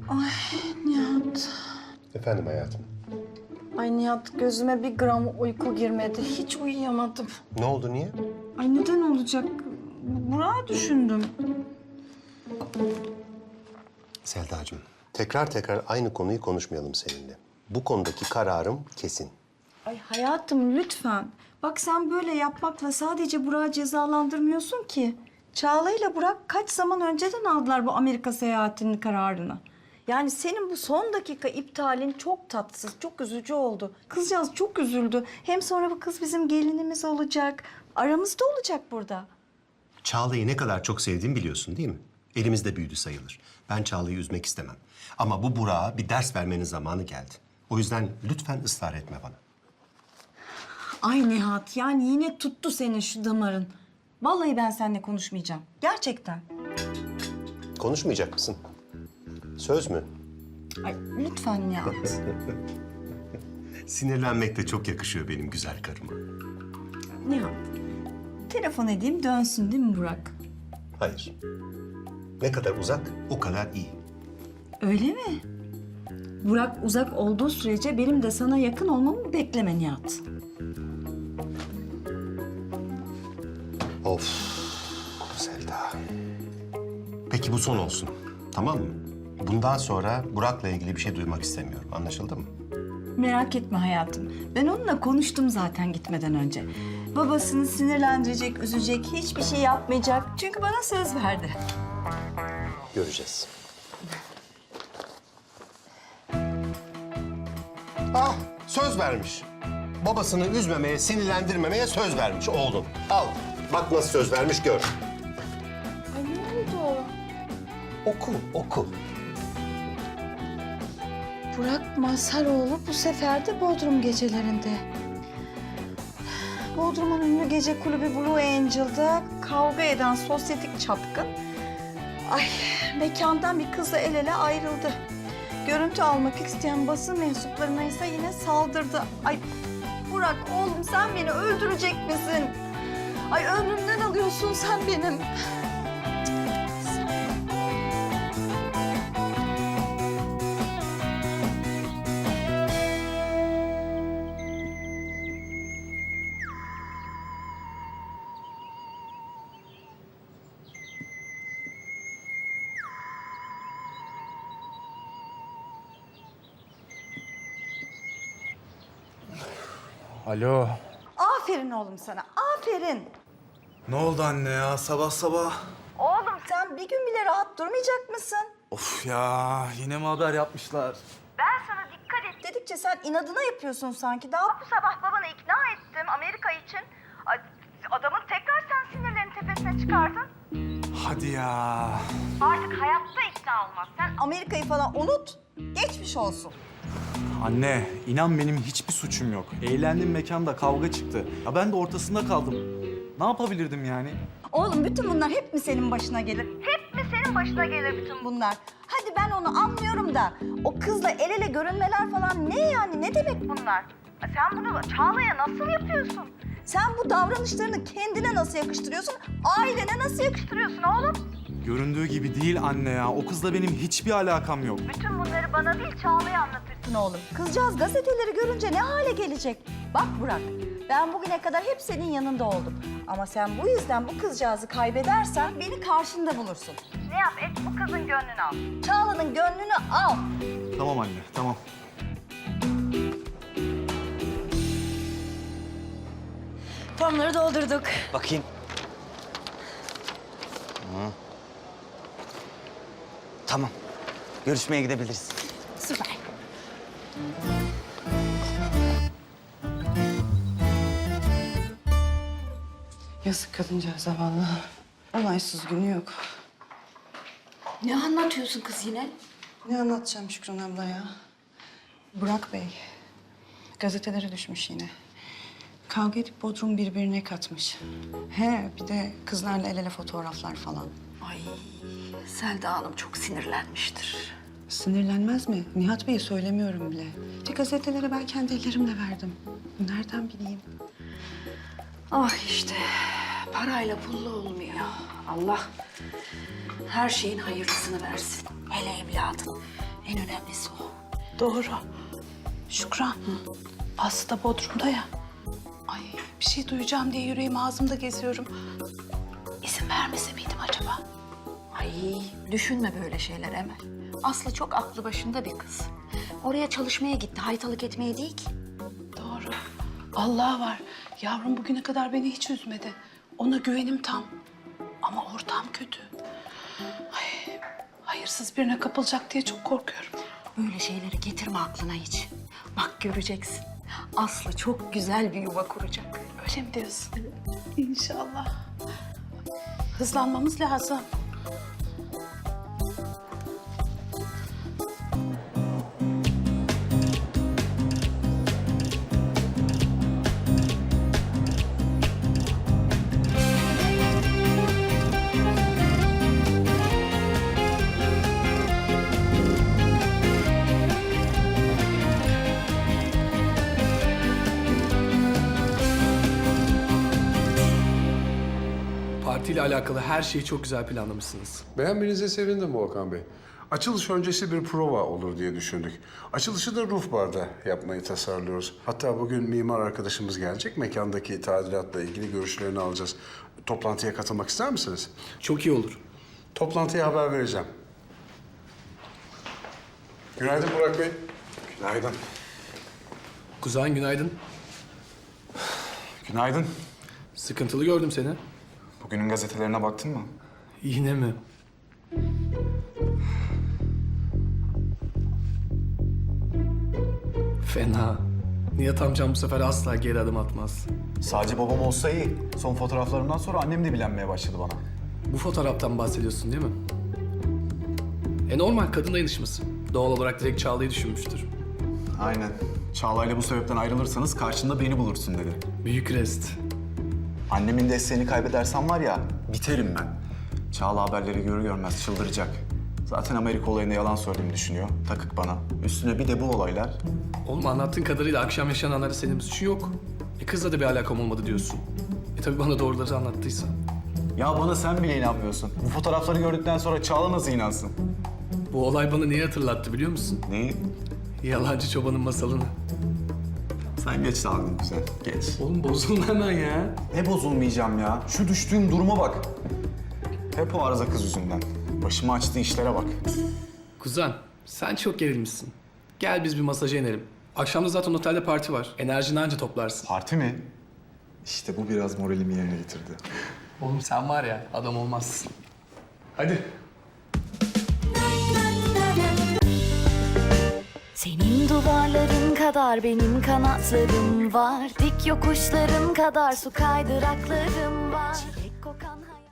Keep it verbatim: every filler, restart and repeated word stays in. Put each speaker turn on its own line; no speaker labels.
Ay Nihat.
Efendim hayatım.
Ay Nihat, gözüme bir gram uyku girmedi. Hiç uyuyamadım.
Ne oldu, niye?
Ay neden olacak? Burak'ı düşündüm.
Selda'cığım, tekrar tekrar aynı konuyu konuşmayalım seninle. Bu konudaki kararım kesin.
Ay hayatım lütfen. Bak sen böyle yapmakla sadece Burak'ı cezalandırmıyorsun ki. Çağla ile Burak kaç zaman önceden aldılar bu Amerika seyahatinin kararını. Yani senin bu son dakika iptalin çok tatsız, çok üzücü oldu. Kızcağız çok üzüldü. Hem sonra bu kız bizim gelinimiz olacak. Aramızda olacak burada.
Çağla'yı ne kadar çok sevdiğimi biliyorsun değil mi? Elimizde büyüdü sayılır. Ben Çağla'yı üzmek istemem. Ama bu Burak'a bir ders vermenin zamanı geldi. O yüzden lütfen ısrar etme bana.
Ay Nihat, yani yine tuttu senin şu damarın. Vallahi ben seninle konuşmayacağım. Gerçekten.
Konuşmayacak mısın? Söz mü?
Ay lütfen Nihat.
Sinirlenmek de çok yakışıyor benim güzel karıma.
Nihat, telefon edeyim dönsün değil mi Burak?
Hayır. Ne kadar uzak, o kadar iyi.
Öyle mi? Burak uzak olduğu sürece benim de sana yakın olmamı bekleme Nihat.
Of Selda. Peki bu son olsun, tamam mı? Bundan sonra Burak'la ilgili bir şey duymak istemiyorum. Anlaşıldı mı?
Merak etme hayatım. Ben onunla konuştum zaten gitmeden önce. Babasını sinirlendirecek, üzecek, hiçbir şey yapmayacak. Çünkü bana söz verdi.
Göreceğiz. Ah, söz vermiş. Babasını üzmemeye, sinirlendirmemeye söz vermiş oğlum. Al, bak nasıl söz vermiş gör.
Ay ne oldu?
Oku, oku.
Burak Mazharoğlu bu sefer de Bodrum gecelerinde. Bodrum'un ünlü gece kulübü Blue Angel'da kavga eden sosyetik çapkın... Ay, mekandan bir kızla el ele ayrıldı. Görüntü almak isteyen basın mensuplarına ise yine saldırdı. Ay Burak oğlum sen beni öldürecek misin? Ay ömrümden alıyorsun sen benim.
Alo.
Aferin oğlum sana, aferin.
Ne oldu anne ya sabah sabah?
Oğlum sen bir gün bile rahat durmayacak mısın?
Of ya yine mi haber yapmışlar?
Ben sana dikkat et dedikçe sen inadına yapıyorsun sanki. Daha bu sabah babanı ikna ettim Amerika için. Ay, adamın tekrar sen sinirlerini tepesine çıkardın.
Hadi ya.
Artık hayatta ikna olmaz. Sen Amerika'yı falan unut. Geçmiş olsun.
Anne inan benim hiçbir suçum yok. Eğlendim mekanda kavga çıktı. Ya ben de ortasında kaldım. Ne yapabilirdim yani?
Oğlum bütün bunlar hep mi senin başına gelir? Hep mi senin başına gelir bütün bunlar? Hadi ben onu anlıyorum da o kızla el ele görünmeler falan ne yani? Ne demek bunlar? Sen bunu Çağla'ya nasıl yapıyorsun? Sen bu davranışlarını kendine nasıl yakıştırıyorsun? Ailene nasıl yakıştırıyorsun oğlum?
Göründüğü gibi değil anne ya. O kızla benim hiçbir alakam yok.
Bütün bunları bana değil Çağla'ya anlatırsın oğlum. Kızcağız gazeteleri görünce ne hale gelecek? Bak Burak, ben bugüne kadar hep senin yanında oldum. Ama sen bu yüzden bu kızcağızı kaybedersen beni karşında bulursun. Ne yap et bu kızın gönlünü al. Çağla'nın gönlünü al.
Tamam anne tamam.
Formları doldurduk.
Bakayım. Hı. Tamam. Görüşmeye gidebiliriz.
Süper.
Yazık kadıncağıza vallahi. Olaysız günü yok.
Ne anlatıyorsun kız yine?
Ne anlatacağım Şükran abla ya? Burak Bey, gazetelere düşmüş yine. Kavga edip Bodrum birbirine katmış. He, bir de kızlarla el ele fotoğraflar falan.
Ay Selda Hanım çok sinirlenmiştir.
Sinirlenmez mi? Nihat Bey'e söylemiyorum bile. İşte gazetelere ben kendi ellerimle verdim. Nereden bileyim?
Ah işte parayla pulla olmuyor. Allah her şeyin hayırlısını versin. Hele evladın. En önemlisi o.
Doğru. Şükran. Aslı da Bodrum'da ya. Ay bir şey duyacağım diye yüreğim ağzımda geziyorum. İzin vermese miydim acaba?
Ay düşünme böyle şeyler Emel. Aslı çok aklı başında bir kız. Oraya çalışmaya gitti, haytalık etmeye değil ki.
Doğru. Allah var. Yavrum bugüne kadar beni hiç üzmedi. Ona güvenim tam. Ama ortam kötü. Ay, hayırsız birine kapılacak diye çok korkuyorum.
Böyle şeyleri getirme aklına hiç. Bak göreceksin. Aslı çok güzel bir yuva kuracak.
Öyle mi diyorsun? İnşallah. Hızlanmamız lazım.
Partiyle alakalı her şeyi çok güzel planlamışsınız.
Beğenmenize sevindim Volkan Bey. Açılış öncesi bir prova olur diye düşündük. Açılışı da Roof Bar'da yapmayı tasarlıyoruz. Hatta bugün mimar arkadaşımız gelecek. Mekandaki tadilatla ilgili görüşlerini alacağız. Toplantıya katılmak ister misiniz?
Çok iyi olur.
Toplantıya haber vereceğim. Günaydın Burak Bey.
Günaydın.
Kuzen günaydın.
Günaydın.
Sıkıntılı gördüm seni.
Bugünün gazetelerine baktın mı?
Yine mi? Fena. Nihat amcam bu sefer asla geri adım atmaz.
Sadece babam olsa iyi. Son fotoğraflarımdan sonra annem de bilenmeye başladı bana.
Bu fotoğraftan bahsediyorsun değil mi? E normal kadın dayanışması. Doğal olarak direkt Çağla'yı düşünmüştür.
Aynen. Çağla'yla bu sebepten ayrılırsanız karşında beni bulursun dedi.
Büyük rest.
Annemin desteğini kaybedersem var ya, biterim ben. Çağla haberleri görür görmez çıldıracak. Zaten Amerika olayında yalan söylediğimi düşünüyor. Takık bana. Üstüne bir de bu olaylar.
Oğlum anlattığın kadarıyla akşam yaşananlara senin bir suçun yok. E kızla da bir alakam olmadı diyorsun. E tabii bana doğruları anlattıysa.
Ya bana sen bile inanmıyorsun. Bu fotoğrafları gördükten sonra Çağla nasıl inansın?
Bu olay bana neyi hatırlattı biliyor musun?
Neyi?
Yalancı çobanın masalını.
Sen geç dalgın güzel, geç.
Oğlum bozulma hemen ya.
Ne bozulmayacağım ya? Şu düştüğüm duruma bak. Hep o arıza kız yüzünden. Başıma açtığı işlere bak.
Kuzen, sen çok gerilmişsin. Gel biz bir masaja inelim. Akşam da zaten otelde parti var. Enerjini anca toplarsın.
Parti mi? İşte bu biraz moralimi yerine getirdi.
Oğlum sen var ya, adam olmazsın. Hadi.
Senin duvarların kadar benim kanatlarım var. Dik yokuşların kadar su kaydıraklarım var. Çilek kokan hayat...